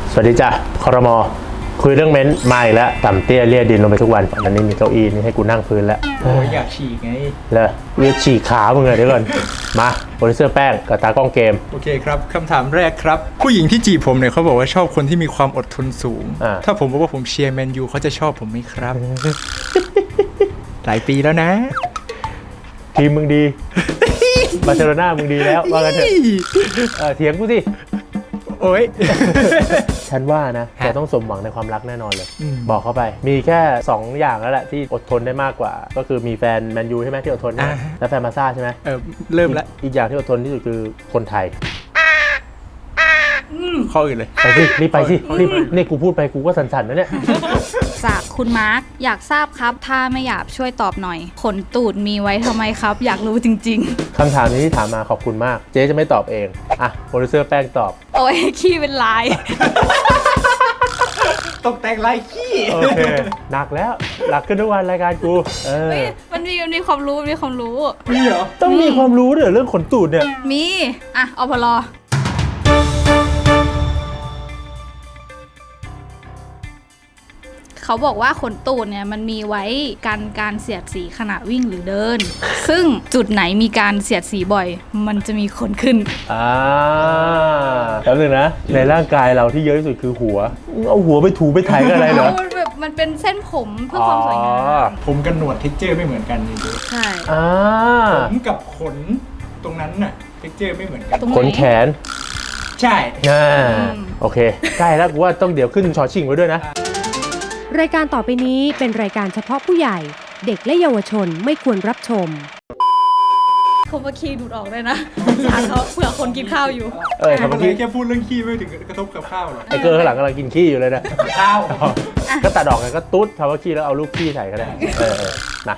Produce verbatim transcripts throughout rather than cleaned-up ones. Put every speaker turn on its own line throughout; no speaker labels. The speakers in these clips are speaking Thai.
สวัสดีจ้ะครม.คุยเรื่องเม้นท์มาอีกแล้วต่ำเตี้ยเลี่ยดินลงไปทุกวันวันนี้มีเก้าอี้นี่ให้กูนั่งพื้นแล้ว
โอ้ยอยากฉีกไง
เลยเรียกฉีกขามึงเลยเดี๋ยวก่อนมาโปรดิวเซอร์แป้งกับตากล้องเกม
โอเคครับคำถามแรกครับผู้หญิงที่จีบผมเนี่ยเขาบอกว่าชอบคนที่มีความอดทนสูงถ้าผมบอกว่าผมเชียร์แมนยูเขาจะชอบผมไหมครับ หลายปีแล้วนะ
ทีมมึงดี บาร์เซโลนามึงดีแล้วว่ากันเถอะเถียงกูสิ
โอ้ย
ฉันว่านะแกต้องสมหวังในความรักแน่นอนเลยบอกเข้าไปมีแค่สองอย่างแล้วแหละที่อดทนได้มากกว่าก็คือมีแฟนแมนยูใช่ไหมที่อดทนนะและแฟนมาซ่าใช่ไหม
เออเริ่มแล้ว
อีกอย่างที่อดทนที่สุดคือคนไทย
ข้ออื่นเลย
ไปสิรีบไปสิรีบนี่กูพูดไปกูก็สั่นๆนะเนี่ย
จากคุณมาร์คอยากทราบครับถ้าไม่อยากช่วยตอบหน่อยขนตูดมีไว้ทำไมครับอยากรู้จริง
ๆคำถามนี้ที่ถามมาขอบคุณมากเจ๊จะไม่ตอบเองอ่ะโปรดิวเซอร์แป้งตอบ
โอ้ยขี้เป็นลาย
ตกแต่งลายขี้
โอเคหนักแล้วหนักขึ้นทุกวันรายการกูเออ
มันมีมันมีความรู้มีความรู้
มีเหรอต้องมีความรู้ด้วยเรื่องขนตูดเนี่ย
มีอ่ะอพลเขาบอกว่าขนตูดเนี่ยมันมีไว้กันการเสียดสีขณะวิ่งหรือเดิน ซึ่งจุดไหนมีการเสียดสีบ่อยมันจะมีขนขึ้น
อ่าแล้วนึงนะในร่างกายเราที่เยอะที่สุดคือหัวเอาหัวไปถูไปถ่ายกันอะไรเหรอ
มันแบบมันเป็นเส้นผมเพื่อความสวยงาม
ผมกับหนวดเท็กเจอร์ไม่เหมือนกันจริง
ๆใช่
อ่า
ผมกับขนตรงนั้นน่ะเท็กเจอร์ไม่เหมือนกัน
ขนแขน
ใช่
อ่าโอเคใกล้แล้วกูว่าต้องเดี๋ยวขึ้นชอชิงไว้ด้วยนะ
รายการต่อไปนี้เป็นรายการเฉพาะผู้ใหญ่เด็กและเยาวชนไม่ควรรับชม
เขามาขี้ดูดออกเลยนะสารเขาเผื่อคนกินข้าวอยู่
เออเขาเมื่อกี้
แค่พูดเรื่องขี้ไม่ถึงกระทบกับข้าวหรอก
ไอ้เกอร์ข้างหลังกำลังกินขี้อยู่เลยนะ
ข้าว
ก็ตัดออกไงก็ตุ๊ดทำว่าขี้แล้วเอาลูกขี้ใส่ก็ได้เออนะ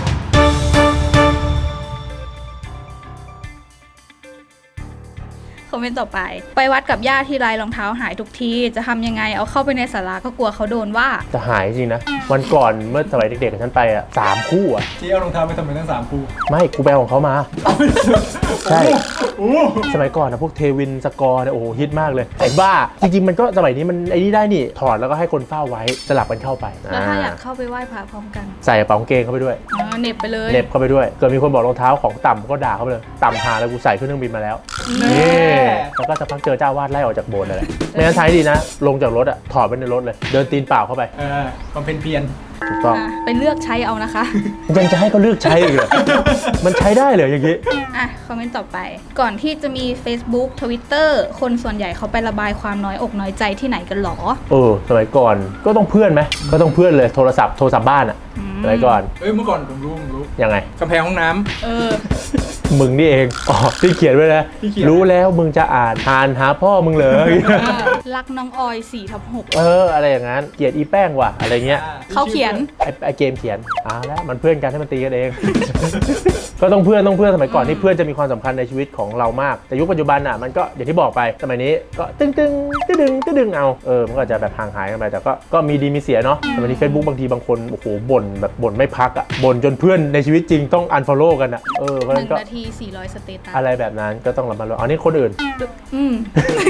คอมเมนต์ต่อไปไปวัดกับย่าที่ไรรองเท้าหายทุกทีจะทำยังไงเอาเข้าไปในศาลาก็กลัวเขาโดนว่า
จะหายจริงนะวันก่อนเมื่อสมัยเด็กๆกับฉันไปอ่ะสามคู่อ่ะ
ที่เอารองเท้าไปทำไมตั้งสามคู่
ไม่กูไปของเขามาใช่สมัยก่อนนะพวกเทวินสกอร์เนี่ยโอ้โหฮิตมากเลยไอ้บ้าจริงๆมันก็สมัยนี้มันไอ้นี่ได้นี่ถอดแล้วก็ให้คนเฝ้าไว้สลับกันเข้าไป
แล้วถ้าอยากเข้าไปไหว้พระพร้อมกัน
ใส่กระเป๋ากางเกงเข้าไปด้วย
เน็บไปเลย
เน็บเข้าไปด้วยเกิดมีคนบอกรองเท้าของต่ำก็ด่าเขาไปเลยต่ำหาแล้วกูใส่ขึ้นเครื่องบินมาแล้วนี่แล้วก็สักพักเจอเจ้าวาดไล่ออกจากโบสถ์เลยไม่งั้นใช้ดีนะลงจากรถอ่ะถอดไปในรถเลยเดินตีนเปล่าเข้าไป
เออความเป็นเพียร
ถูกต้อง
ไปเลือกใช้เอานะคะ
ยังจะให้เขาเลือกใช้อีกเหรอมันใช้ได้เลยอย่างนี้
อ่ะคอมเมนต์ต่อไปก่อนที่จะมี Facebook Twitter คนส่วนใหญ่เขาไประบายความน้อยอกน้อยใจที่ไหนกันหรอ
เออสมัยก่อนก็ต้องเพื่อนไหมก็ต้องเพื่อนเลยโทรศัพท์โทรศัพท์บ้านอ่ะสมัยก่อน
เอ้ยเมื่อก่อนผมรู้ผมรู้
ยังไง
กำแพงห้องน้
ำเออ
มึงนี่เองอ๋อที่เขียนไว้นะรู้แล้วมึงจะอ่านอ่านหาพ่อมึงเลย
รักน้องออย สี่ทับหก
เอออะไรอย่างนั้นเกลียดอีแป้งว่ะอะไรเงี้ย
เขาเขียน
ไอ้ไอเกมเขียนอ่าแล้วมันเพื่อนกันให้มันตีกันเอง ก็ต้องเพื่อนต้องเพื่อนสมัยก่อนที่เพื่อนจะมีความสำคัญในชีวิตของเรามากแต่ยุคปัจจุบันอ่ะมันก็อย่างที่บอกไปสมัยนี้ก็ตึ้งตึ้งตึ้งตึ้งตึ้งตึ้งเอาเออมันก็จะแบบห่างหายกันไปแต่ก็ก็มีดีมีเสียเนาะสมัยนี้ Facebook บางทีบางคนโอ้โหบ่นแบบบ่นไม่พักอ่ะบ่นจนเพื่อนในชีวิตจริงต้อง unfollow กันอ่ะเออเพราะฉะนั้นก็
หนึ่งนาทีสี่ร้อยสเตตัส
อะไรแบบนั้นก็ต้องระมัดระวังอันนี้คนอื่น
อืม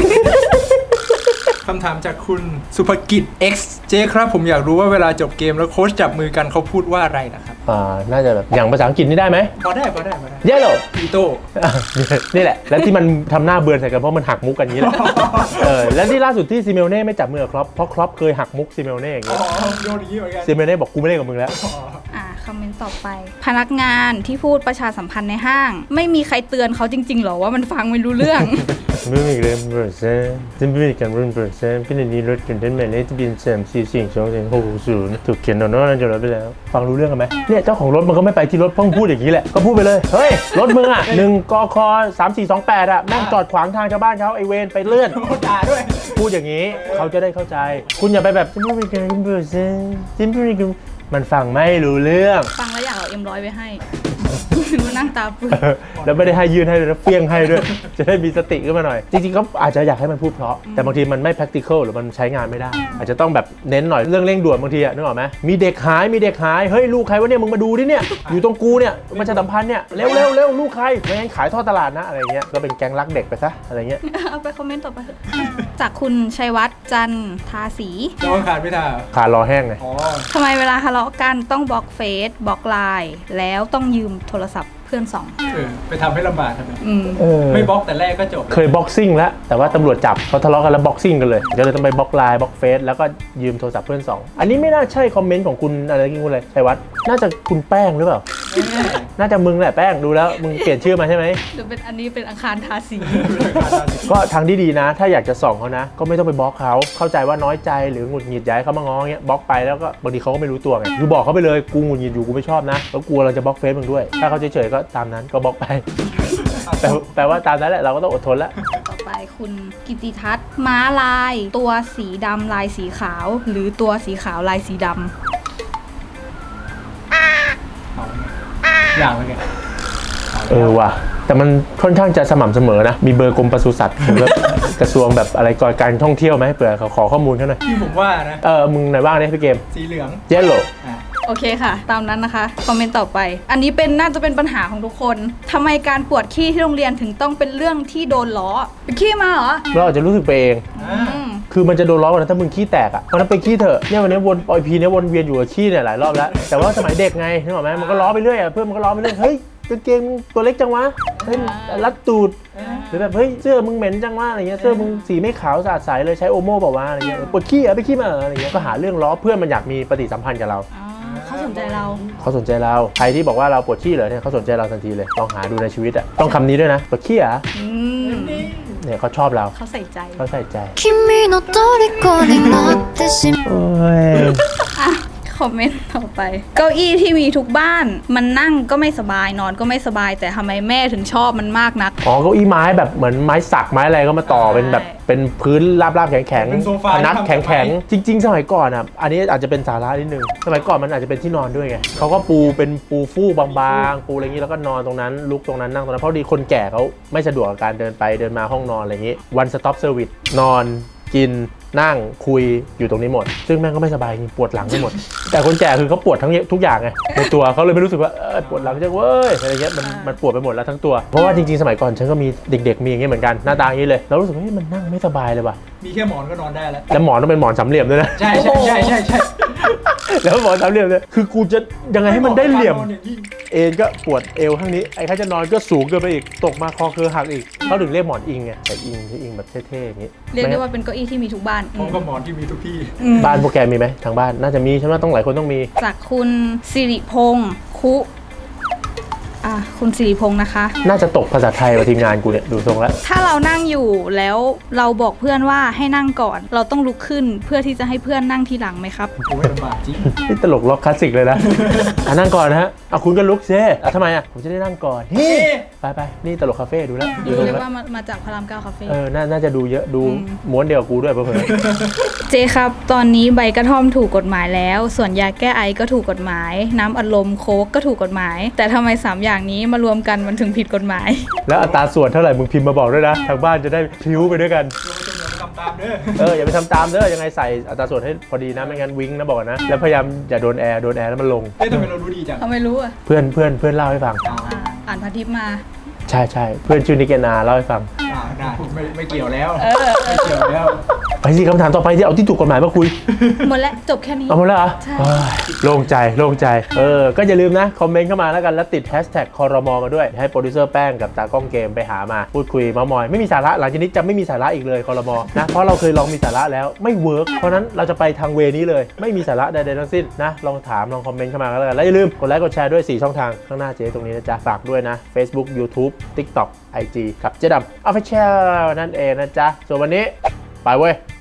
คำถามจากคุณสุภกิจ X เจ๊ครับผมอยากรู้ว่าเวลาจบเกมแล้วโค้ชจับมือกันเขาพูดว่าอะไรนะครับ
อ่าน่าจะแบบอย่างภาษาอังกฤษนี่ได้ไหม
พอได้พอได้พอได้
เยลโล่
อีโต้
นี่แหละแล้วที่มันทำหน้าเบือนใส่กันเพราะมันหักมุกกันนี้แหละเออแล้วที่ล่าสุดที่ซิเมลเน่ไม่จับมือครอปเพราะครอปเคยหักมุกซิเมลเน่อย่างเงี้ย
โยนอย่างนี้เหมือนกัน
ซิเมลเน่บอกกูไม่เล่นกับมึงแล้ว
อ่าคอมเมนต์ต่อไปพนักงานที่พูดประชาสัมพันธ์ในห้างไม่มีใครเตือนเขาจริงๆหรอว่ามันฟังไม่รู้เรื่อง
ไม่มีเรื่องเบอร์เซ่จะไม่มีการรุ่นเบอร์เซ่พี่ในนี้รถกันได้ไหมเนี่ยจะเป็นแซมซีสิ่งสองสิ่งหกศูนย์ถูกเขียนโดนนั่นจนเราไปแล้วฟังรู้เรื่องกันไหมเนี่ยเจ้าของรถมันก็ไม่ไปที่รถเพิ่งพูดอย่างนี้แหละก็พูดไปเลยเฮ้ยรถมึงอ่ะหนึ่งกคสามสี่สองแปดอ่ะแม่งจอดขวางทางชาวบ้านเขาไอเวนไปเลื่อน
ด่าด้วย
พูดอย่างนี้เขาจะได้เข้าใจคุณอย่าไปแบบจะไม่มีการรุ่นเบอร์เซ่จะไม่มีการมันฟังไม่รู้เรื่อง
ฟังแล้วอยากเอาเอ็มร้อยไปให้รู้นั่งตาปึ้ง
แล้วไม่ได้ให้ยื่นให้ด้วยนะเฟี้ยงให้ด้วย จะได้มีสติขึ้นมาหน่อย จริงๆเขาอาจจะอยากให้มันพูดเพราะแต่บางทีมันไม่ practical หรือมันใช้งานไม่ได้ อาจจะต้องแบบเน้นหน่อยเรื่องเร่งด่วนบางทีอะนึกออกไหมมีเด็กหายมีเด็กหายเฮ้ยลูกใครวะเนี่ยมึงมาดูดิเนี่ยอยู่ตรงกูเนี่ยประชาสัมพันธ์เนี่ยเร็วเร็วเร็วลูกใครไม่งั้นขายทอดตลาดนะอะไรเงี้ยก็เป็นแก๊งรักเด็กไปซะอะไรเงี้ย
เอาไปคอมเมนต์ต่อไปเถอะจากคุณชัยวัฒน์จันทาสี
แล้วก็ขาดไม่ได้
ขาดรอแห้งไง
อ๋อ
ทำไมเวลาทะเลาะกันต้องบล็อกเฟซบล็อกไลน์แล้วต้องยืมโทรศัพท์เพื่อนสอง
เออไปทำให้ลำบากทำไม
อืม
เออ
ไม่บล็อกแต่แรกก็จบ
เคยบ็อกซิ่งแล้วแต่ว่าตำรวจจับเขาทะเลาะกันแล้วบ็อกซิ่งกันเลยก็เลยต้องไปบล็อกไลน์บล็อกเฟซแล้วก็ยืมโทรศัพท์เพื่อนสองอันนี้ไม่น่าใช่คอมเมนต์ของคุณอะไรกินคุณเลยชัยวัฒน์น่าจะคุณแป้งหรือเปล่า น่าจะมึงแหละแป้งดูแล้วมึงเปลี่ยนชื่อมาใช่ไหม
หรือเป็นอันนี้เป็นอังคารทาสี
ก็ทางที่ดีนะ ถ้าอยากจะส่องเขานะ ก็ไม่ต้องไปบล็อกเขาเข้าใจว่าน้อยใจหรือหงุดหงิดย้ายเขามาง้อเงี้ยบล็อกไปแล้วก็บางทีเขาก็ไม่รู้ตัวไงคือบอกเขาไปเลยกูหงุดหงิดอยู่กูไม่ชอบนะแล้วกลัวเราจะบล็อกเฟซมึงด้วยถ้าเขาเฉยๆก็ตามนั้นก็บล็อกไป แปลแปลว่าตามนั้นแหละเราก็ต้องอดทนแล้ว
ต่อไปคุณกิติทัศน์ม้าลาย ตัวสีดำลายสีขาว หรือตัวสีขาวลายสีด
อย่างไรกัน
เออว่ะแต่มันค่อนข้างจะสม่ำเสมอนะมีเบอร์กรมปศุสัตว์หรือแบบกระทรวงแบบอะไรก่อนการท่องเที่ยวไหมเผื่อเขาขอข้อมูลเขาหน่อย
ที่ผมว่านะ
เออมึงไหนบ้างเนี่ยพี่เกม
สีเหลือง
เยลโล่
อ่ะ
ำโอเคค่ะ ตามนั้นนะคะคอมเมนต์ต่อไป อันนี้เป็นน่าจะเป็นปัญหาของทุกคนทำไมการปวดขี้ที่โรงเรียนถึงต้องเป็นเรื่องที่โดนล้อไปขี้มาเหรอ
เราอาจจะรู้สึกไปเอง
อ่า
อืม
คือมันจะโดนล้อกันนะถ้ามึงขี้แตกอ่ะเพราะนั้นไปขี้เถอะเนี่ยวันนี้วนปอยพีเนี่ยวนเวียนอยู่กับขี้เนี่ยหลายรอบแล้วแต่ว่าสมัยเด็กไงนึกออกไหมมันก็ล้อไปเรื่อยอ่ะเพื่อนมันก็ล้อไปเรื่อยเฮ้ยกางเกงมึงตัวเล็กจังวะเฮ้ยรัดตูดหรือแบบเฮ้ยเสื้อมึงเหม็นจังวะอะไรเงี้ยเสื้อมึงสีไม่ขาวสะอาดใสเลยใช้โอโม่เปล่าวะอะไรเงี้ยปวดขี้อ่ะไปขี้มาอะไรเงี้ยก็หาเรื่องล้อเพื่อนมันอยากมีปฏิสัมพันธ์กับเรา
อ๋อเขาสนใจเรา
เขาสนใจเราใครที่บอกว่าเราปวดขี้เหรอเนี่ยเขาสนใจเราทันทีเลยลองหาดูในชีวิตอ่ะต้องคำนี้ด้วยนะปวดขี้อ่ะ
อืม
เนี่ยเขาชอบเรา
เขาใส่ใจ
เขาใส่ใจ
君の虜になってしまう
โอ้ย
อ่ะคอมเมนต์ต่อไป เก้าอี้ที่มีทุกบ้านมันนั่งก็ไม่สบายนอนก็ไม่สบาย แต่ทำไมแม่ถึงชอบมันมากนัก
อ๋อเก้าอี้ไม้แบบเหมือนไม้สักไม้อะไรก็มาต่อเป็นแบบเป็นพื้นราบๆแข็ง
เป็นโซฟา
พนัก
ที่ทำ
แข็ง
จากไม้
ๆจริง ๆ สมัยก่อนอ่ะอันนี้อาจจะเป็นสาระนิดนึงสมัยก่อนมันอาจจะเป็นที่นอนด้วยไงเขาก็ปูเป็นปูฟูกบางๆปูอะไรอย่างนี้แล้วก็นอนตรงนั้นลุกตรงนั้นนั่งตรงนั้นเพราะดีคนแก่เขาไม่สะดวกกับการเดินไปเดินมาห้องนอนอะไรอย่างนี้ one stop service นอนกินนั่งคุยอยู่ตรงนี้หมด ซึ่งแม่งก็ไม่สบายจริงปวดหลังไปหมด แต่คนแก่คือเขาปวดทั้งทุกอย่างไงในตัวเขาเลยไม่รู้สึกว่าเออปวดหลังจังเว้ยอะไรเงี้ยมันมันปวดไปหมดแล้วทั้งตัวเพราะว่าจริงๆสมัยก่อนฉันก็มีเด็กๆมีอย่างเงี้ยเหมือนกันหน้าตาอย่างนี้เลยเรารู้สึกว่าเฮ้ยมันนั่งไม่สบายเลยว่ะ
มีแค่หมอนก็นอนได้แล้ว
แล้วหมอนต้องเป็นหมอนสามเหลี่ยมด้วยนะ
ใช่ใช่ใช่ใช่ใช่
แล้วหมอนสามเหลี่ยมเนี่ยคือกูจะยังไงให้มันได้เหลี่ยม
นอนอย่างยิ่ง
เอ็นก็ปวดเอวข้างนี้ไอ้ข้าจะนอนก็สูงเกินไปอีกตกมาคอเคอหักอีกเขาถึงเรียกหมอนอิงไงแต่อิงที่อิงแบบเท่ๆอย่างนี้
เรียกได้ว่าเป็นเก้าอี้ที่มีทุกบ้าน
พร้อมกับหมอนที่มีทุกที่
อืม
บ้านโปรแกรมมีไหมทางบ้านน่าจะมีฉันว่าต้องหลายคนต้องมี
จากคุณสิริพงษ์คุอ่ะคุณสิริพงษ์นะคะ
น่าจะตกภาษาไทยกับทีมงานกูเนี่ยดูทรงแล้ว
ถ้าเรานั่งอยู่แล้วเราบอกเพื่อนว่าให้นั่งก่อน เราต้องลุกขึ้นเพื่อที่จะให้เพื่อนนั่งทีหลังไหมครับ
โอ้ยลำบากจริง
นี่ตลกล็อกคลาสสิกเลยนะ อ่ะนั่งก่อนนะฮะเอาคุณก็ลุกเซ่อ่ะทำไมอ่ะผมจะได้นั่งก่อนเฮ้ไปไปนี่ตลกคาเฟ่ดูแล้วดูทรง
เรียก
แล้ว
ว่ามามาจากพระรามเก้าคาเฟ่
เออน่าน่าจะดูเยอะดูม้วนเดียวกับกูด้วยเพื่อน
เจครับ ตอนนี้ใบกระท่อมถูกกฎหมายแล้ว ส่วนยาแก้ไอก็ถูกกฎหมาย น้ำอัดลมโค้กก็ถูกกฎหมาย แต่ทำไมสามอย่างนี้มารวมกันมันถึงผิดกฎหมาย
แล้วอัตราส่วนเท่าไหร่มึงพิมพ์มาบอกด้วยนะทางบ้านจะได้พลิ้วไปด้วยกัน
เราจะทำตามเด้อ
เอออย่าไปทำตามเด้อยังไงใส่อัตราส่วนให้พอดีนะไม่งั้นวิ้งนะบอกก่อนนะแล้วพยายามอย่าโดนแอร์โดนแอร์แล้วมันลง
เฮ้ยทำไมเรารู้ดีจัง
เขาไม่รู้อ่ะ
เพื่อนเพื่อนเพื่อนเล่าให้ฟัง
อ่า
อ่าอ่านพันทิปมา
ใช่ใช่เพื่อนชื่อนิกเกนาเล่าให้ฟัง
อ่าได้ไม่ไม่เกี่ยวแล้ว
เออ
ไม่เกี่ยวแล้ว
ไปสิคำถามต่อไปที่เอาที่ถูกกฎหมายมาคุย
หมดแล้วจบแค่นี้
เอาหมดแล้วเหรอ
ใช่
เอ้ยโล่งใจโล่งใจเออก็อย่าลืมนะคอมเมนต์เข้ามาแล้วกันแล้วติดแฮชแท็กคอรมอมาด้วยให้โปรดิวเซอร์แป้งกับตากล้องเกมไปหามาพูดคุยเมามอยไม่มีสาระหลังจากนี้จะไม่มีสาระอีกเลยคอรมอนะเพราะเราเคยลองมีสาระแล้วไม่เวิร์กเพราะนั้นเราจะไปทางเวนี้เลยไม่มีสาระใดๆทั้งสิ้นนะลองถามลองคอมเมนต์เข้ามากันแล้วกันแล้วอย่าลืมกดไลค์กดแชร์ด้วยสี่ช่องทางข้างหน้าเจ๊ตรงนี้นะจ๊ะฝากด้วยนะ Facebook YouTube TikTok ไอ จี กับเจ๊ดำ Official นั่นเองนะจ๊ะส่วนวันนี้ไปเว้ย